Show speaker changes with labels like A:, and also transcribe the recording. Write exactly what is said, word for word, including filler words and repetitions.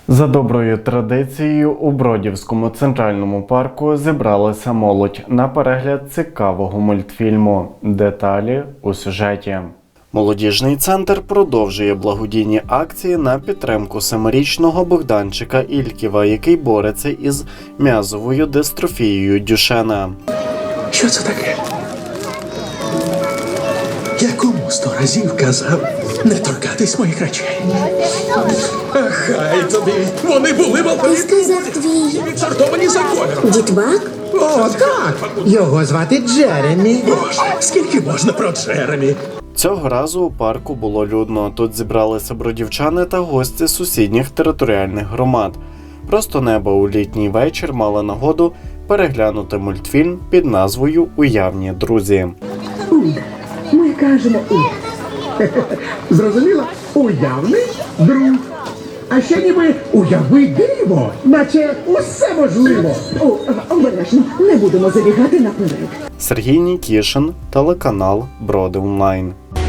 A: За доброю традицією у Бродівському центральному парку зібралася молодь на перегляд цікавого мультфільму. Деталі у сюжеті. Молодіжний центр продовжує благодійні акції на підтримку семирічного Богданчика Ільківа, який бореться із м'язовою дистрофією Дюшена.
B: Що це таке? Я кому сто разів казав не торкатись моїх речей. Ах, хай тобі! Вони були
C: Ти сказав твій
B: відсортовані за кольором.
C: дітбак?
D: О, так! Його звати Джеремі.
B: Боже, скільки можна про Джеремі?
A: Цього разу у парку було людно. Тут зібралися бродівчани та гості сусідніх територіальних громад. Просто небо у літній вечір мали нагоду переглянути мультфільм під назвою «Уявні друзі».
D: Ми кажемо «у». Зрозуміло? Уявний друг. А ще ніби уяви диво, наче усе можливо.
E: О, обережно, не будемо забігати наперед.
A: Сергій Нікішин, телеканал Броди Онлайн.